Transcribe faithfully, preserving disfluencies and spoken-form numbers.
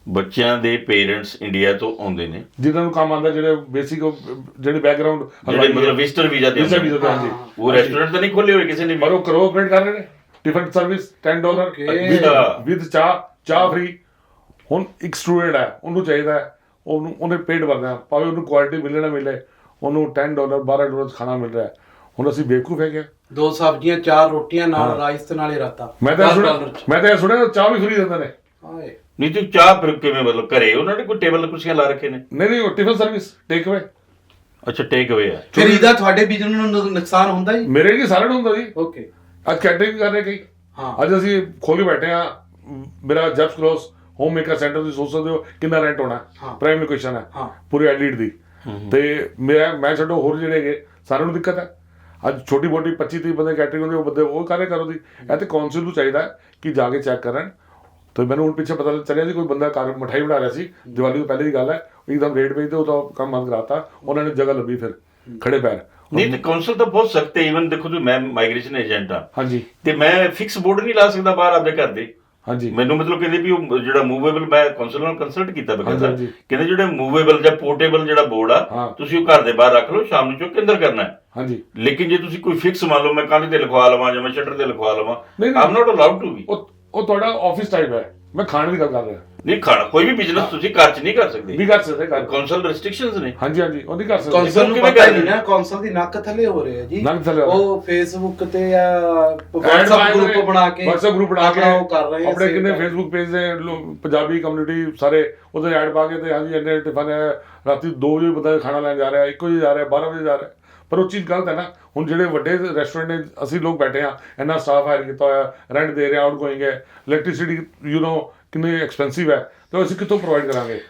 ਬੱਚਿਆਂ ਦੇ parents India ਤੋਂ ਆਉਂਦੇ ਨੇ ਜਿਨ੍ਹਾਂ ਨੂੰ ਕੰਮ ਆਉਂਦਾ, ਜਿਹੜੇ ਬੇਸਿਕ ਜਿਹੜੇ ਬੈਕਗ੍ਰਾਉਂਡ ਜਿਹੜੇ ਮਤਲਬ ਵਿਜ਼ਟਰ ਵੀਜ਼ਾ ਤੇ ਵੀਜ਼ਾ ਆਉਂਦੇ ਵੀਜ਼ਾ ਨੇ। ਤੇ ਹਾਂਜੀ, ਉਹ ਰੈਸਟੋਰੈਂਟ ਤਾਂ ਨਹੀਂ ਖੋਲੇ ਹੋਏ ਕਿਸੇ ਨੇ ਵੀ? ਪਰ ਉਹ ਕਰੋ ਆਪਰੇਟ ਕਰ ਰਹੇ ਨੇ। ਟਿਫਨ ਸਰਵਿਸ ਦਸ ਡਾਲਰ ਅੱਛਾ। ਵਿਦ ਚਾਹ ਚਾਹ ਫ੍ਰੀ। ਹੁਣ ਇੱਕ ਸਟੂਡੈਂਟ ਹੈ, ਉਹਨੂੰ ਚਾਹੀਦਾ ਹੈ, ਉਹਨੂੰ ਉਹਨੇ ਪੇਟ ਭਰਨਾ, ਭਾਵੇਂ ਉਹਨੂੰ ਕੁਆਲਿਟੀ ਮਿਲੇ ਨਾ ਮਿਲੇ, ਉਹਨੂੰ ਦਸ ਡਾਲਰ ਬਾਰਾਂ ਡਾਲਰ ਖਾਣਾ ਮਿਲ ਰਿਹਾ ਹੈ। ਹੁਣ ਅਸੀਂ ਬੇਵਕੂਫ ਹੈਗੇ ਆ। ਦੋ ਸਬਜ਼ੀਆਂ ਚਾਰ ਰੋਟੀਆਂ ਨਾਲ ਰਾਈਸ ਤੇ ਨਾਲੇ ਰਾਤਾ ਮੈਂ ਤਾਂ ਇਹ ਸੁਣਿਆ ਮੈਂ ਤਾਂ ਇਹ ਸੁਣਿਆ ਚਾਹ ਵੀ ਫ੍ਰੀ ਦਿੰਦੇ ਨੇ। ਹਾਏ ਨਹੀਂ ਤੇ ਚਾਹ ਫਿਰ ਕਿਵੇਂ, ਮਤਲਬ ਘਰੇ ਉਹਨਾਂ ਨੇ ਕੋਈ ਟੇਬਲ ਕੁਰਸੀਆਂ ਲਾ ਰੱਖੇ ਨੇ? ਨਹੀਂ ਨਹੀਂ, ਉਹ ਟਿਫਨ ਸਰਵਿਸ ਟੇਕ ਅਵੇ। ਅੱਛਾ, ਟੇਕ ਅਵੇ ਆ। ਫਿਰ ਇਹਦਾ ਤੁਹਾਡੇ ਬਿਜ਼ਨਸ ਨੂੰ ਨੁ- ਨੁਕਸਾਨ ਹੁੰਦਾ ਜੀ? ਮੇਰੇ ਕੀ ਸਾਰਿਆਂ ਨੂੰ ਹੁੰਦਾ ਜੀ। ਓਕੇ ਅੱਜ ਕੈਟਰਿੰਗ ਕਰ ਰਹੇ ਕਈ। ਹਾਂ ਅੱਜ ਅਸੀਂ ਖੋਲ ਕੇ ਬੈਠੇ ਆ। ਮੇਰਾ ਜੈਪਸ ਕਲੋਸ ਹੋਮ ਮੇਕਰ ਸੈਂਟਰ, ਤੁਸੀਂ ਸੋਚ ਸਕਦੇ ਹੋ ਕਿੰਨਾ ਰੈਂਟ ਹੋਣਾ। ਹਾਂ। ਪ੍ਰਾਈਮ ਲੋਕੇਸ਼ਨ ਹੈ ਹਾਂ ਪੂਰੀ ਐਡਲੀਟ ਦੀ। ਤੇ ਮੇਰਾ ਮੈਂ ਛੱਡੋ ਹੋਰ ਜਿਹੜੇ ਹੈਗੇ ਸਾਰਿਆਂ ਨੂੰ ਦਿੱਕਤ ਹੈ। ਅੱਜ ਛੋਟੀ ਮੋਟੀ ਪੱਚੀ ਤੀਹ ਬੰਦੇ ਕੈਟਰਿੰਗ ਹੁੰਦੀ, ਉਹ ਬੰਦੇ ਉਹ ਕਾਰੇ ਕਰੋ ਦੀ। ਇਹ ਤੇ ਕੌਂਸਲ ਨੂੰ ਚਾਹੀਦਾ ਕਿ ਜਾ ਕੇ ਚੈੱਕ ਕਰਨ। ਤੇ ਮੈਨੂੰ ਹੁਣ ਪਿੱਛੇ ਪਤਾ ਚੱਲਿਆ ਸੀ ਕੋਈ ਬੰਦਾ ਘਰ ਮਠਾਈ ਬਣਾ ਰਿਹਾ ਸੀ, ਦੀਵਾਲੀ ਤੋਂ ਪਹਿਲੇ ਦੀ ਗੱਲ ਹੈ, ਇੱਕਦਮ ਰੇਟ ਵੇਚਦੇ ਉਹ ਤਾਂ ਕੰਮ ਬੰਦ ਕਰਾਤਾ। ਉਹਨਾਂ ਨੇ ਜਗ੍ਹਾ ਲੱਭੀ ਫਿਰ ਖੜੇ ਪੈਰ। ਨਹੀਂ ਤੇ ਕਾਉਂਸਲ ਤਾਂ ਬਹੁਤ ਸਖਤ ਹੈ। ਈਵਨ ਦੇਖੋ ਤੁਸੀਂ, ਮੈਂ ਮਾਈਗ੍ਰੇਸ਼ਨ ਏਜੰਟ ਆ ਹਾਂਜੀ ਤੇ ਮੈਂ ਫਿਕਸ ਬੋਰਡ ਨਹੀਂ ਲਾ ਸਕਦਾ ਬਾਹਰ ਆਪਦੇ ਘਰ ਦੇ। ਹਾਂਜੀ ਮੈਨੂੰ ਮਤਲਬ ਕਹਿੰਦੇ ਵੀ ਉਹ ਜਿਹੜਾ ਮੂਵੇਬਲ, ਮੈਂ ਕਾਉਂਸਲ ਨਾਲ ਕੰਸਲਟ ਕੀਤਾ ਬਕਾਇਦਾ, ਹਾਂਜੀ, ਹਾਂਜੀ। ਕਹਿੰਦੇ ਜਿਹੜਾ ਮੂਵੇਬਲ ਜਾਂ ਪੋਰਟੇਬਲ ਜਿਹੜਾ ਬੋਰਡ ਆ, ਹਾਂ। ਤੁਸੀਂ ਉਹ ਘਰ ਦੇ ਬਾਹਰ ਰੱਖ ਲਓ, ਸ਼ਾਮ ਨੂੰ ਚੁੱਕ ਕੇ ਅੰਦਰ ਕਰਨਾ ਹੈ। ਹਾਂਜੀ। ਲੇਕਿਨ ਜੇ ਤੁਸੀਂ ਕੋਈ ਫਿਕਸ ਮੰਨ ਲਓ ਮੈਂ ਕੰਧ ਤੇ ਲਿਖਵਾ ਲਵਾਂ ਜਾਂ ਮੈਂ ਸ਼ਟਰ ਤੇ ਲਿਖਵਾ ਲਵਾਂ, ਨਹੀਂ, ਨਹੀਂ। ਆਮ ਨਾਟ ਅਲਾਉਡ ਟੂ ਵੀ। ਉਹ ਉਹ ਤੁਹਾਡਾ ਆਫਿਸ ਟਾਈਪ ਹੈ। ਮੈਂ ਖਾਣ ਦੀ ਗੱਲ ਕਰ ਰਿਹਾ। ਨਹੀਂ ਖਾਣਾ ਕੋਈ ਵੀ ਬਿਜ਼ਨਸ ਤੁਸੀਂ ਘਰ 'ਚ ਨਹੀਂ ਕਰ ਸਕਦੇ। ਵੀ ਕਰ ਸਕਦੇ ਘਰ। ਕਾਉਂਸਲ ਰੈਸਟ੍ਰਿਕਸ਼ਨਸ ਨੇ। ਹਾਂਜੀ ਹਾਂਜੀ, ਉਹ ਨਹੀਂ ਕਰ ਸਕਦੇ। ਕੌਂਸਲ ਨੂੰ ਕਿਵੇਂ ਪਤਾ ਹੀ ਕਰਦੇ ਨਹੀਂ ਨਾ, ਕੌਂਸਲ ਦੀ ਨੱਕ ਥੱਲੇ ਹੋ ਰਹੇ ਆ ਜੀ। ਨੱਕ ਥੱਲੇ ਹੋ ਰਹੇ। ਉਹ ਫੇਸਬੁੱਕ ਤੇ ਜਾਂ Ad WhatsApp ਬਣਾਏ ਗਰੁੱਪ ਨੇ, ਬਣਾ ਕੇ WhatsApp ਗਰੁੱਪ ਬਣਾ ਕੇ ਆਪਣਾ ਉਹ ਕਰ ਰਹੇ ਆ, ਆਪਣੇ sale ਕਿੰਨੇ ਕਰ ਰਹੇ ਆ। ਫੇਸਬੁੱਕ ਪੇਜ ਦੇ ਲੋਕ ਪੰਜਾਬੀ ਕਮਿਊਨਿਟੀ ਸਾਰੇ ਉਹਦੇ ਐਡ ਪਾ ਕੇ ਤੇ ਹਾਂਜੀ ਇੰਨੇ ਟਿਫਨ ਹੈ, ਰਾਤੀ ਦੋ ਵਜੇ ਬੰਦਾ ਖਾਣਾ ਲੈਣ ਜਾ ਰਿਹਾ, ਇੱਕ ਵਜੇ ਜਾ ਰਿਹਾ, ਬਾਰਾਂ ਵਜੇ ਜਾ ਰਿਹਾ। ਪਰ ਉਹ ਚੀਜ਼ ਗਲਤ ਹੈ ਨਾ। ਹੁਣ ਜਿਹੜੇ ਵੱਡੇ ਰੈਸਟੋਰੈਂਟ ਨੇ, ਅਸੀਂ ਲੋਕ ਬੈਠੇ ਆ, ਇੰਨਾ ਸਟਾਫ ਹਾਇਰ ਕੀਤਾ ਹੋਇਆ, ਰੈਂਟ ਦੇ ਰਹੇ, ਆਊਟ ਗੋਇੰਗ ਹੈ, ਇਲੈਕਟ੍ਰਿਸਿਟੀ ਯੂ نو ਕਿੰਨੀ ਐਕਸਪੈਂਸਿਵ ਹੈ, ਤੇ ਅਸੀਂ ਕਿੱਥੋਂ ਪ੍ਰੋਵਾਈਡ ਕਰਾਂਗੇ?